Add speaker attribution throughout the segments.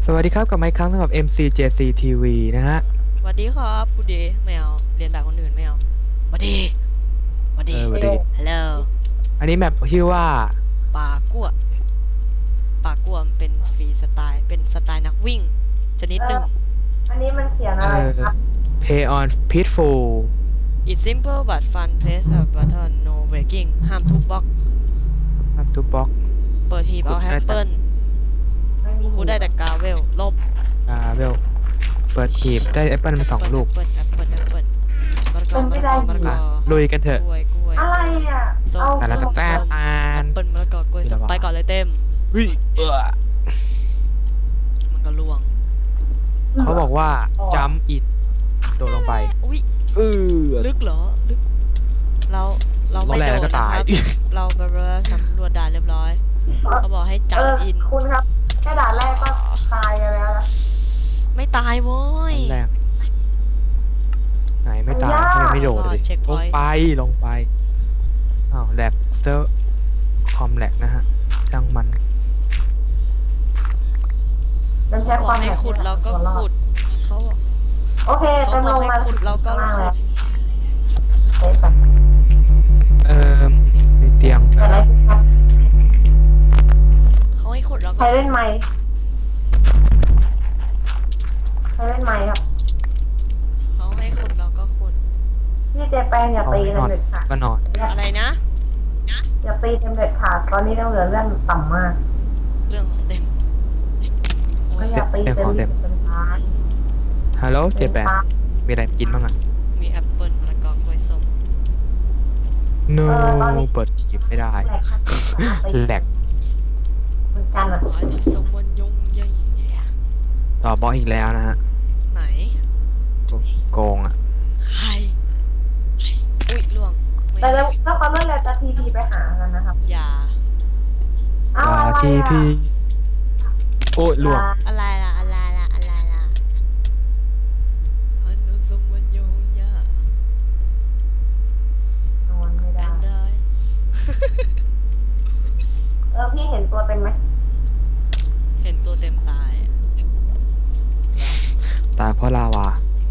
Speaker 1: วัสดีครับกับไมค์ครั้งสำหรับ MCJC TV นะฮะ
Speaker 2: สวัสดีครับกูดีไม่เอาเรียนแบบคนอื่นไม่เอาสวัสดีสวัสดี
Speaker 1: สวัสดี
Speaker 2: ฮัลโหล
Speaker 1: อันนี้แมปชื่อว่า
Speaker 2: ปากัวปากัวมันเป็นฟรีสไตล์เป็นสไตล์นักวิ่งชนิดหนึ่ง
Speaker 3: อันนี้มันเขียนอะไรครับ
Speaker 1: Play on Peaceful
Speaker 2: It's simple but fun place a button no breaking ห้ามทุบบล็อก
Speaker 1: ครับทุกบล็อก
Speaker 2: เปิดหีบเอาแอปเปิล
Speaker 3: ไม่มี
Speaker 2: กูได้แต่กาเวลลบ
Speaker 1: เวลเปิดทีบได้แอปเปิลมา2 ลูก
Speaker 2: แอปเปิลมะละกอมะละกอ
Speaker 1: ลุยกันเถอะ
Speaker 2: กล้วย
Speaker 3: อะไรอ่ะ
Speaker 2: ส้ม
Speaker 3: เอา
Speaker 1: แต่ละตะแต้
Speaker 2: แอ
Speaker 1: ตาล
Speaker 2: ปเปิลมะละกอกล้วยส้มไปก่อนเลยเต็ม
Speaker 1: วิ
Speaker 2: มันก็ล่วง
Speaker 1: เขาบอกว่า jump it โดดลงไป
Speaker 2: อุ้ย
Speaker 1: อ
Speaker 2: ลึกเหรอลึกเราไม่
Speaker 1: แร
Speaker 2: โด
Speaker 1: ง
Speaker 2: น
Speaker 1: แล้วก็
Speaker 2: นะค
Speaker 1: ตาย
Speaker 2: รับเราไปสำรวจด่านเรียบร้อยเขาบอกให้จับอิน
Speaker 3: คุณครับแค่ด่านแรกก็ตายกันแล้วนะ
Speaker 2: ไม่ตายโว้ย
Speaker 1: แรกไหนไม่ตายเขายังไม่โดดเลยลงไปอ้าวแหลกเซอร์คอมแหลกนะฮะช่างมัน
Speaker 3: มันใช้
Speaker 2: เขา
Speaker 3: ค
Speaker 2: บอ
Speaker 3: วาก ม
Speaker 2: ให้ขุดเราก็ขุดเขาบอก
Speaker 3: โอเค
Speaker 2: เขา
Speaker 3: เต็ม
Speaker 2: บ
Speaker 3: ล
Speaker 2: อก
Speaker 3: ง
Speaker 2: ให้
Speaker 3: มา
Speaker 2: ขุดเราก็
Speaker 3: ข้างล่าง
Speaker 2: ขุ
Speaker 3: แล้ว
Speaker 2: ด
Speaker 3: เซฟไป
Speaker 1: มีเตียง
Speaker 3: เกิดอะไรขึ้นครับ
Speaker 2: เขาให้ขุดเรา
Speaker 3: ใค
Speaker 2: ก็
Speaker 3: รเล่นไมค์ใครเล่นไมค์ครับ
Speaker 2: เขาให้ขุดเราก็ขุด
Speaker 3: พี่เจแปนอย่าตี
Speaker 1: นอน
Speaker 3: เด็ดขาด
Speaker 1: ก็นอน
Speaker 2: อะไรนะ
Speaker 3: อย่าตีเต็มเด็ดขาดตอนนี้เราเหลือเรื่องต่ำมาก
Speaker 2: เรื่องของเต็มโอ้
Speaker 3: ก็
Speaker 2: ย
Speaker 3: อย่าตีเต็มที่เป็นพาร์ท
Speaker 1: ฮัลโหลเจแปนมีอะไรกินบ้างอ่ะ
Speaker 2: มีแอปเปิลมะละกอกล้วยส้ม
Speaker 1: no เปิดคลิปไม่ได้
Speaker 3: แหลกครับตี
Speaker 1: แหลก
Speaker 3: เหมือนกันอ่ะ
Speaker 2: อ๋อนี่สมวันยงใหญ่แย่
Speaker 1: ต่อบอสอีกแล้วนะฮะ
Speaker 2: ไหน
Speaker 1: โกงอ่ะ
Speaker 2: ใครอุ้ยล่วงไม่
Speaker 3: แต่แล้วถ้าความรวดเร็วจะทีพีไปหากันนะครับ
Speaker 2: อย่า
Speaker 3: เอาอะไรอ่ะ
Speaker 1: ทีพีโอ้ยหลวง
Speaker 2: อะไรล่ะอันนู้นสมวันยงใหญ่
Speaker 3: นอนไม่
Speaker 2: แอ
Speaker 3: ได้
Speaker 2: นเดอร์
Speaker 3: พี่เห็นตัวเต็มไหม
Speaker 2: เห็นตัวเต็มตายอะ
Speaker 1: ตายเพราะลาวา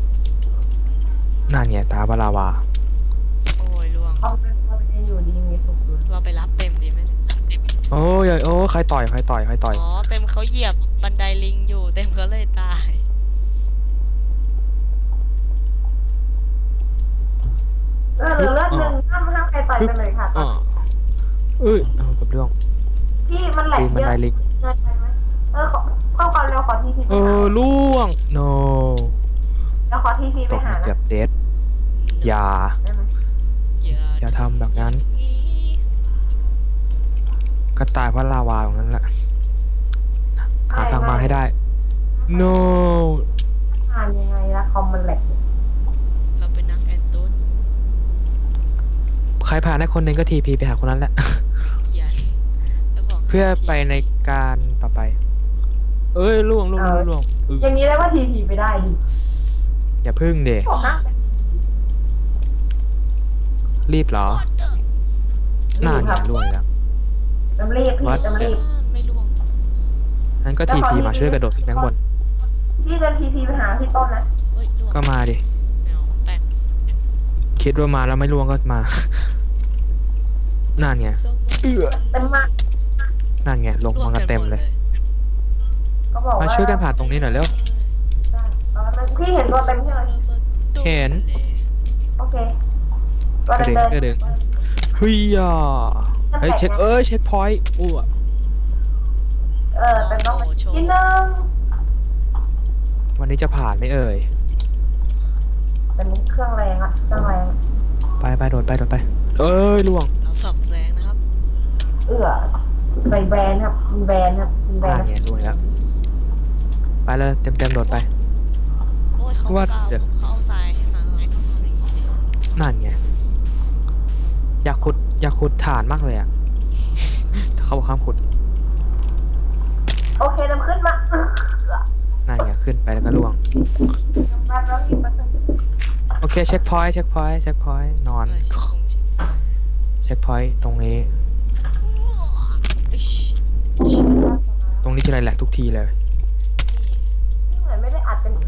Speaker 1: นั่นเนี่ยตายเพราะลาวา
Speaker 2: โอ้ยล่วง
Speaker 3: เขาเป็นตัวเป็นอยู่ดีมีสุขอยู่
Speaker 2: เราไปรับเต็มดีไหมเนี่ย
Speaker 1: โอ้ยโอ้ใครต่อย
Speaker 2: อ๋อเต็มเขาเหยียบบันไดลิงอยู่เต็มเขาเลยตาย
Speaker 3: เหลือเลือดหนึ่งห้ามใครต่อยกันเลยค่ะ
Speaker 1: เอากับเรื่อง
Speaker 3: พี่มันแหล
Speaker 1: ปี
Speaker 3: ก
Speaker 1: นบั
Speaker 3: เย
Speaker 1: น
Speaker 3: อะ
Speaker 1: ไดลิง
Speaker 3: เกินไปไหมเข้าก่อนเร็วขอทีพีไปหา
Speaker 1: ล่วง no
Speaker 3: แล้วขอทีพี
Speaker 1: ต
Speaker 3: ไป
Speaker 1: ก
Speaker 3: หา
Speaker 1: มาเกื
Speaker 3: นะ
Speaker 1: อบเดดอย่า
Speaker 3: ได้ไหม
Speaker 1: อย่าทำแบบนั้น ก็ตายเพราะลาวาตรงนั้นแหละ หาทางมาให้ได้ no
Speaker 3: อ่านยังไงละคอมมันแหลก
Speaker 2: เราเป็นนักแอนตุน
Speaker 1: ใครผ่านได้คนหนึ่งก็ทีพีไปหาคนนั้นแหละ
Speaker 2: เขียนแล้วบอก
Speaker 1: เพื่อไปในการต่อไป ล่วง
Speaker 3: อย่างนี้ได้ว่าทีพีไปได้ดิ
Speaker 1: อย่าพึ่งเด
Speaker 3: บอกนะ
Speaker 1: รีบเหรอน่าเนี่ยล่วงแล้ว
Speaker 3: จำรีบพี่จำรีบ
Speaker 2: ไม่ล่วง
Speaker 1: งั้นก็ทีพีมาช่วยกระโดดขึ้นข้างบน
Speaker 3: พี่จะทีพีไปหาพี่ต้นนะ
Speaker 2: เฮ้ยล่วง
Speaker 1: ก็มาดิ
Speaker 2: แนวแปลก
Speaker 1: คิดว่ามาแล้วไม่ล่วงก็มา นั่นไง
Speaker 2: ส้มวัน
Speaker 3: เต็มมาก
Speaker 1: นั่นไงลงมากันเต็มเลย
Speaker 3: ก็บอก
Speaker 1: มา
Speaker 3: ว่า
Speaker 1: ช่วยกันผ่านตรงนี้หน่อยเร็ว
Speaker 3: ได้ตอนนั้นพี่เห็นตัวเต็มใช่ไหม
Speaker 1: เห็น
Speaker 3: โอเคตัว
Speaker 1: กระ
Speaker 3: เต็
Speaker 1: เด็
Speaker 3: ม
Speaker 1: งกระเด็งเฮ้ยเฮ้ยเช็คเช็คพอยต์อ้ว
Speaker 3: เป็นต้องนิดนึง
Speaker 1: วันนี้จะผ่านไหมเอ่ย
Speaker 3: เป็นเครื่องแรงอะเครื่องแรง
Speaker 1: ไปโดดไปล่วง
Speaker 2: เราสับแสงนะครับ
Speaker 3: ใส่แบรนด์ครับมีแบรนด์ครับมีแบร
Speaker 1: นั่
Speaker 3: น
Speaker 1: น
Speaker 3: ด์
Speaker 1: ไงล่วงแล้วไปเลยเต็มโดดไป
Speaker 2: โอ้ยเขา
Speaker 1: ว่า
Speaker 2: เอา
Speaker 1: เดี๋ยว
Speaker 2: เขาเอาทรายให้มาเราต้องทำอย่างนี้สิ
Speaker 1: นั่นไงอยากขุดฐานมากเลยอ่ะ แต่เขาบอกห้ามขุด
Speaker 3: โอเคเริ่มขึ้นมา
Speaker 1: นั่นไงขึ้นไปแล้วก็ล่วง
Speaker 3: มาแล้วอีกประตู
Speaker 1: โอเคเช็คพอยต์นอน เช็คพอยต์ตรงนี้ ตรงนี้จะอะไรแหลกทุกทีเลย
Speaker 2: นี่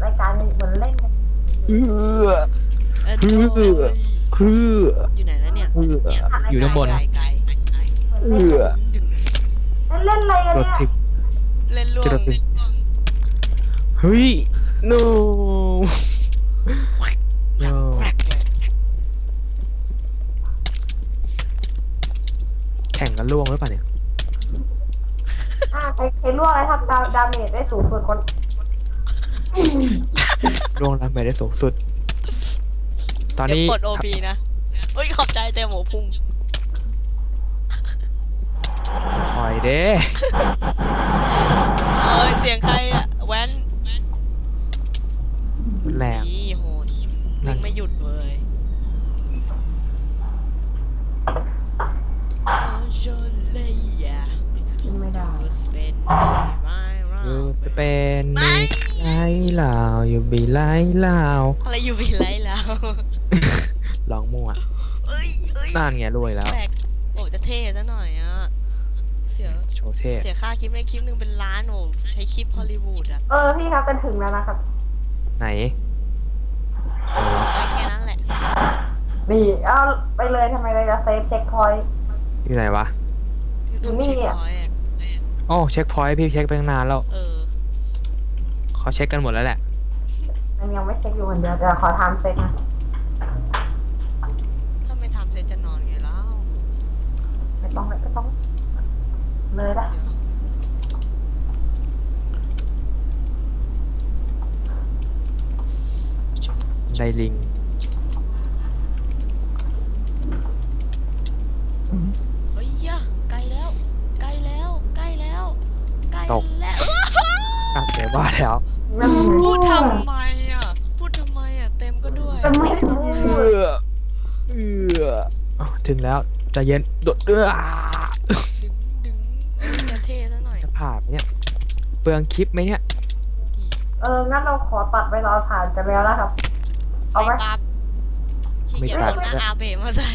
Speaker 3: รายการเหมือนเล่นกัน
Speaker 1: เออ
Speaker 2: เออ
Speaker 1: เออ คือ
Speaker 2: อยู่ไหนแล้วเนี่ย
Speaker 1: อยู่ด้านบน
Speaker 2: ไกล
Speaker 1: เออ
Speaker 2: ดึง
Speaker 3: เล่นอะไรกัน
Speaker 1: รถ
Speaker 3: เนี่ย
Speaker 1: ถึง
Speaker 2: เล่นล่ว
Speaker 1: จะ
Speaker 2: ง
Speaker 1: รถถึงเฮ้ย no
Speaker 2: แกรก
Speaker 1: no
Speaker 2: แกรกเลย
Speaker 1: แข่งกันล่วงหรือเปล่าเนี่ย
Speaker 3: ใครล่วงอะไรครับดาเมจได้สูงสุดคน
Speaker 1: ล่วงแล้วไม่ได้สูงสุด ตอน
Speaker 2: เดี๋ยว
Speaker 1: นี้
Speaker 2: กด OP นะเฮ้ยขอบใจเต็มหมูพุ่ง
Speaker 1: ปล่อยเด้
Speaker 2: เอ้ยเสียงใครอะแว้น
Speaker 1: แรง
Speaker 2: นี่โหด
Speaker 1: นั่
Speaker 2: วิ่
Speaker 1: น
Speaker 2: งไม่หยุดเลยโจเลีย
Speaker 3: ขึ้นไม่ได้
Speaker 2: เป็นไม่
Speaker 1: ยูสเปนมีไล่ลาวอยู่บีไล่ลาว
Speaker 2: อะไรอยู่บินไรแล้ว
Speaker 1: ร้องมั่ว
Speaker 2: เอ้ย
Speaker 1: นั่นไงรวยแล้ว
Speaker 2: แปลกโอ้จะเท่ซะหน่อยอ่ะ เสีย
Speaker 1: โชว์เท่
Speaker 2: เสียค่าคลิปในคลิปหนึ่งเป็นล้านโอ้ใช้คลิปฮอลลีวูดอ่ะ
Speaker 3: พี่ครับกันถึงแล้วนะครับ
Speaker 1: ไหน
Speaker 2: ได้แค่นั้นแหละ
Speaker 3: นี่เอาไปเลยทำไมเลยจะเซฟเช็คพอยต์
Speaker 1: อยู่ไหนวะ
Speaker 2: YouTube
Speaker 3: นี่
Speaker 2: เช็ค
Speaker 3: อะ
Speaker 2: พอยต์อะ
Speaker 1: โอ้เช็คพอยต์พี่เช็คไปตั้งนานแล้ว
Speaker 2: เออ
Speaker 1: เขาเช็คกันหมดแล้วแหละ
Speaker 3: มันยังไม่เช็คอยู่คนเดียวแต่ขอทำเช็คนะ
Speaker 2: ถ้าไม่ทำเสร็จจะนอนไงแล้ว
Speaker 3: ไม่ต้องเลยนะ
Speaker 1: ไดลิง
Speaker 2: เฮ้ยยะใกล้แล้ว ใกล้แล้ว ใกล้แล้ว ใกล้แล้ว
Speaker 1: อ่ะเดี๋ยวว่าแล้ว
Speaker 2: พูดทำไมอ่ะ พูดทำไมอ่ะ เต็มก็ด้วย
Speaker 3: จะไม่พู
Speaker 1: เอ
Speaker 3: ด
Speaker 1: ถึงแล้วใจเย็นโดด
Speaker 2: ดึงจะเท่ซะหน่อย
Speaker 1: จะผ่านไหมเนี่ยเปลืองคลิปไหมเนี่ย
Speaker 3: งั้นเราขอตัดไปรอผ่านกันแล้วนะครับ เอาไหม
Speaker 2: ไม่ตัดขี้เกียจเอาหน้าอาเบะมาใส่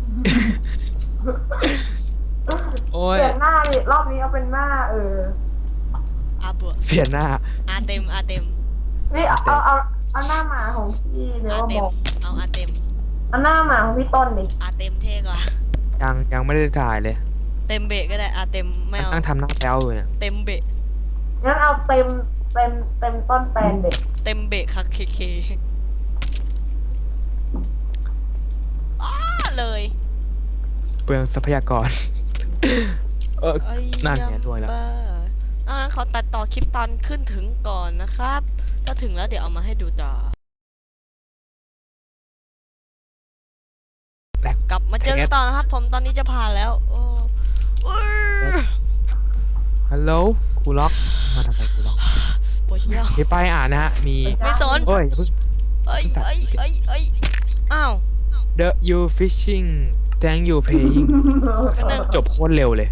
Speaker 1: โอ้ย
Speaker 3: เปลี่ยนหน้าดิรอบนี้เอาเป็นหน้า
Speaker 2: อาเบะ
Speaker 1: เปลี่ยนหน้า
Speaker 2: อาเต็ม
Speaker 3: นี่เอาหน้าหมาของพี่เดี๋ยว
Speaker 2: อา
Speaker 3: ว่า
Speaker 2: เต็
Speaker 3: บ
Speaker 2: ม
Speaker 3: อก
Speaker 2: เอาอาเต็ม
Speaker 3: เอาหน้าหมาของพี่ต้นดิ
Speaker 2: อาเต็มเท่กว่า
Speaker 1: ยังไม่ได้ถ่ายเลย
Speaker 2: เต็มเบะก็ได้อาเต็มไม่เอา
Speaker 1: นั่งทำหน้าแป้วอยู่เนี่ย
Speaker 2: เต็มเบะ
Speaker 3: งั้นเอาเต็มต้นแปลนเด็ก
Speaker 2: เต็มเบะคักเคอ้าเลย
Speaker 1: เปลืองทรัพยากร เออ
Speaker 2: เอ้ย
Speaker 1: นั่นไงด้วยแล้ว
Speaker 2: บ้าขอตัดต่อคลิปตอนขึ้นถึงก่อนนะครับ ถ้าถึงแล้วเดี๋ยวเอามาให้ดูต่อ
Speaker 1: แหลก
Speaker 2: กลับมาเจอกันต่อนะครับ ผมตอนนี้จะผ่านแล้ว โอ้อุ๊ย
Speaker 1: ฮัลโหลครูล็อกมาทำไมครูล็อก
Speaker 2: ปวดเยี่ยว
Speaker 1: มีป้ายอ่านนะฮะมี
Speaker 2: ไม่สน
Speaker 1: โอ้ยอย่าเพิ่ง
Speaker 2: เอ้ยอ้าว
Speaker 1: The you fishing thank you paying จบโคตรเร็วเลย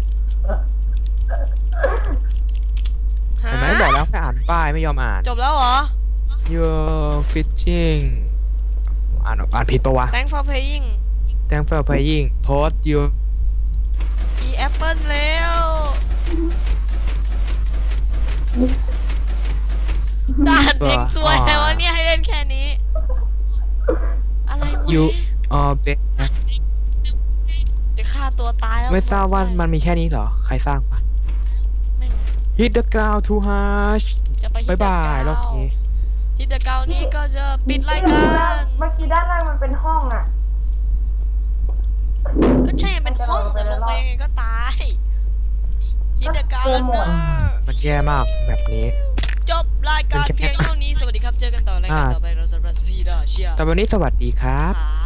Speaker 2: ฮะ
Speaker 1: เห็นไหมบอกแล้วให้อ่านป้ายไม่ยอมอ่าน
Speaker 2: จบแล้วเหรอ
Speaker 1: you fishing อ่านผิดปะวะ
Speaker 2: Thanks for paying
Speaker 1: thank for paying post you
Speaker 2: e apple แล้วด่านเพลงซวยแต่ว่าเนี่ยให้เล่นแค่นี้ อะไรวะ
Speaker 1: you bet
Speaker 2: จะฆ่าตัวตายแล้ว
Speaker 1: ไม่ทราบว่ามันมีแค่นี้เหรอ ใครสร้างปะ
Speaker 2: ไม่รู้
Speaker 1: hit the ground too harsh
Speaker 2: จะไปฮิ
Speaker 1: บาย
Speaker 2: ตเดอะ
Speaker 1: บาย
Speaker 2: เก
Speaker 1: รอบนี้
Speaker 2: ฮิตเดอะเกานี่ก็จะปิดรายการ
Speaker 3: เมื่อกี้ด้านล่างมันเป็นห้องอ่ะ
Speaker 2: ก็ใช่เป็นห้องแต่ลงไปยังไงก็ตายฮิตเดอะเกาแล้วเนอะ
Speaker 1: มันแย่มากแบบนี้
Speaker 2: จบรายการเพียงเท่านี้ สวัสดีครับ เจอกันต่อรายการต่อไปเราจะรัสซีดาเชีย
Speaker 1: แต่วันนี้สวัสดีครับ
Speaker 2: ครับ